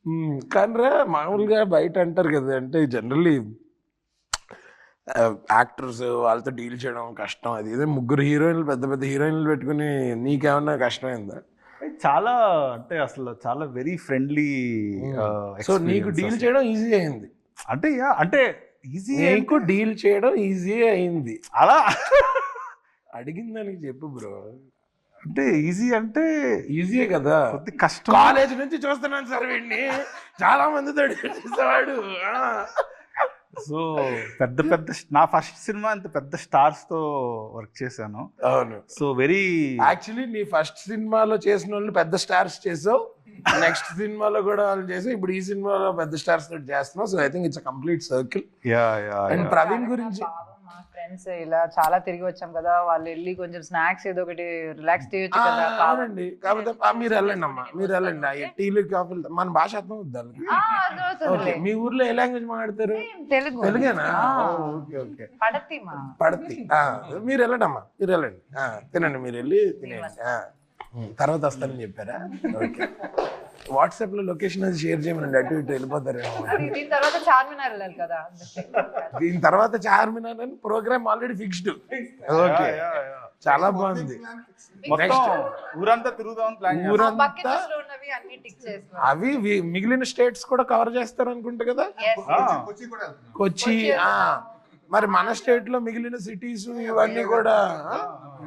కానీ మామూలుగా బయట అంటారు కదా, అంటే జనరల్లీ యాక్టర్స్ వాళ్ళతో డీల్ చేయడం కష్టం, అది ఇదే ముగ్గురు హీరోయిన్లు పెద్ద పెద్ద హీరోయిన్లు పెట్టుకుని నీకేమన్నా కష్టమైందా? చాలా అంటే అసలు చాలా వెరీ ఫ్రెండ్లీ. సో నీకు డీల్ చేయడం ఈజీ అయింది? అంటే అంటే ఈజీ, నీకు డీల్ చేయడం ఈజీ అయింది అలా అడిగిన దానికి చెప్పు బ్రో. అంటే ఈజీ అంటే ఈజీయే కదా, కొద్ది కష్టం. కాలేజ్ నుంచి చూస్తున్నాను సార్ వీడిని, చాలా మందితో చేసేవాడు. సో పెద్ద పెద్ద నా ఫస్ట్ సినిమా అంత పెద్ద స్టార్స్ తో వర్క్ చేశాను. అవును. సో వెరీ యాక్చువల్లీ నీ ఫస్ట్ సినిమాలో చేసిన వాళ్ళు పెద్ద స్టార్స్ చేసావు, నెక్స్ట్ సినిమాలో కూడా వాళ్ళు చేసావు, ఇప్పుడు ఈ సినిమాలో పెద్ద స్టార్స్ తోటి చేస్తున్నావు. So I think it's complete circle. And Praveen గురించి మా ఫ్రెండ్స్ ఇలా చాలా తిరిగి వచ్చాం కదా, వాళ్ళు వెళ్ళి కొంచెం స్నాక్స్ ఏదో ఒకటి రిలాక్స్ చేయొచ్చు కదా. అవునండి, కాకపోతే మీరు వెళ్ళండి అమ్మా, మీరు వెళ్ళండి. టీలు కాఫీలు మన భాష అర్థం అవుద్ది. ఓకే, మీ ఊర్లో ఏ లాంగ్వేజ్ మాట్లాడతారు? తెలుగు. తెలుగేనా? Okay okay. పడతి. మీరు వెళ్ళండి అమ్మా, మీరు వెళ్ళండి, తినండి, మీరు వెళ్ళి తినేయండి, తర్వాత వస్తానని చెప్పారా? ఓకే. వాట్సాప్ లో లొకేషన్ అది షేర్ చేయమనండి, అటు ఇటు వెళ్ళిపోతారేమో. దీని తర్వాత చార్మినార్ వెళ్ళాలి కదా. దీని తర్వాత చార్మినార్ అని ప్రోగ్రామ్ ఆల్రెడీ ఫిక్స్డ్. ఓకే, చాలా బాగుంది. ఊరంతా తిరుగుదామని ప్లాన్. ఊరంతా అవి మిగిలిన స్టేట్స్ కూడా కవర్ చేస్తారు అనుకుంటా కదా. కొచ్చి, మరి మన స్టేట్ లో మిగిలిన సిటీస్ ఇవన్నీ కూడా